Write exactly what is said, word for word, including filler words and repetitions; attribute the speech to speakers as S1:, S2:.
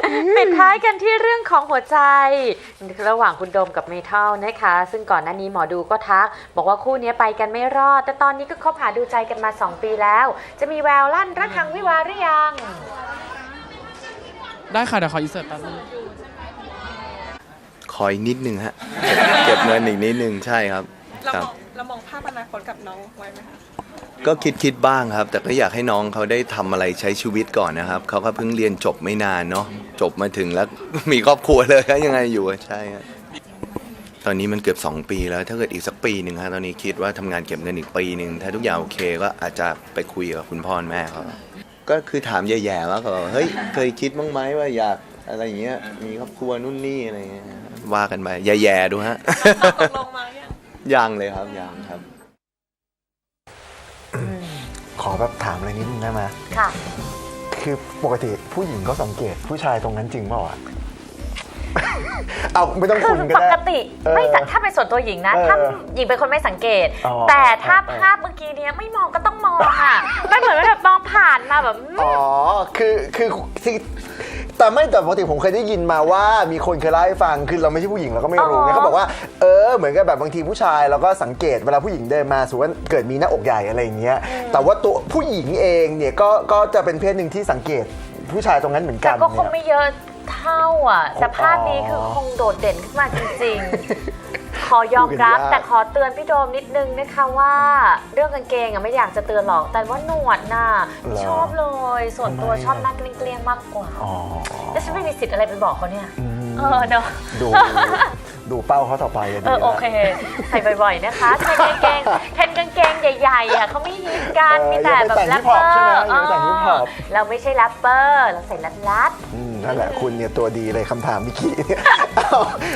S1: ปิดท้ายกันที่เรื่องของหัวใจระหว่างคุณโดมกับเมทัลนะคะซึ่งก่อนหน้านี้หมอดูก็ทักบอกว่าคู่นี้ไปกันไม่รอดแต่ตอนนี้ก็คบหาดูใจกันมาสองปีแล้วจะมีแววลั่นรักทางวิวาหรือยัง
S2: ได้ค่ะเดี๋ยวขออินเสิร์ตแป๊บนึง
S3: คอยนิดนึงฮะเก็บเงินอีกนิดนึงใช่ครับ
S4: เรามองเรามองภาพอนาคตกับน้องไว้ไหมคะ
S3: ก็คิดคิดบ้างครับแต่ก็อยากให้น้องเขาได้ทำอะไรใช้ชีวิตก่อนนะครับเขาก็เพิ่งเรียนจบไม่นานเนาะจบมาถึงแล้วมีครอบครัวเลยก็ยังไงอยู่ใช่ครับตอนนี้มันเกือบสองปีแล้วถ้าเกิดอีกสักปีหนึ่งฮะตอนนี้คิดว่าทำงานเก็บเงินอีกปีหนึ่งถ้าทุกอย่างโอเคก็อาจจะไปคุยกับคุณพ่อแม่เขาก็คือถามแย่ๆว่าเขาเฮ้ยเคยคิดบ้างไหมว่าอยากอะไรอย่างเงี้ยมีครอบครัวนู่นนี่อะไรเงี้ยว่ากันไปแย่ๆดูฮะ
S4: ลงมายัง
S3: ยังเลยครับยังครับ
S5: ขอแบบถามอะไรนิดนึงได้ไหม
S1: ค่ะ
S5: คือปกติผู้หญิงก็สังเกตผู้ชายตรงนั้นจริงเปล่าอ่ะ เอาไม่ต้องคุณก็ได้
S1: ปกติไม่ถ้าเป็นส่วนตัวหญิงนะถ้าหญิงเป็นคนไม่สังเกตแต่ถ้าภาพเมื่อกี้นี้ไม่มองก็ต้องมองอ่ะไม่เหมือนแบบมองผ่านมาแบบ
S5: อ๋อคือคือแต่ไม่แต่ปกติผมเคยได้ยินมาว่ามีคนเคยเล่าให้ฟังคือเราไม่ใช่ผู้หญิงเราก็ไม่รู้เนี่ยเขาบอกว่าเออเหมือนกับแบบบางทีผู้ชายเราก็สังเกตเวลาผู้หญิงเดินมาสมมติว่าเกิดมีหน้าอกใหญ่อะไรอย่างเงี้ยแต่ว่าตัวผู้หญิงเองเนี่ยก็ก็จะเป็นเพศหนึ่งที่สังเกตผู้ชายตรงนั้นเหมือนกัน
S1: แต่ก็คงไม่เยอะเท่าอ่ะแต่ภาพนี้คือคงโดดเด่นขึ้นมาจริงๆขอยอมรับแต่ขอเตือนพี่โดมนิดนึงนะคะว่าเรื่องกางเกงอ่ะไม่อยากจะเตือนหรอกแต่ว่าหนวดน่ะชอบเลยส่วนตัวชอบหน้าเกลี้ยงๆมากกว่าแล้วฉันไม่มีสิทธิ์อะไรไปบอกเขาเนี่ยเออเนาะ
S5: ดูดูเป้าเขาต่อไปเลย
S1: เออโอเคใส่บ่อยๆนะคะใส่กางเกงเทนกางเกงใหญ่ๆอ่ะเขาไม่ฮิตกันมีแต่แบบแรปเปอร์เราไม่ใช่แรปเปอร์เราใส่ลัดๆ
S5: นั่นแหละคุณเนี่ยตัวดีเลยคำถามเมื่อกี้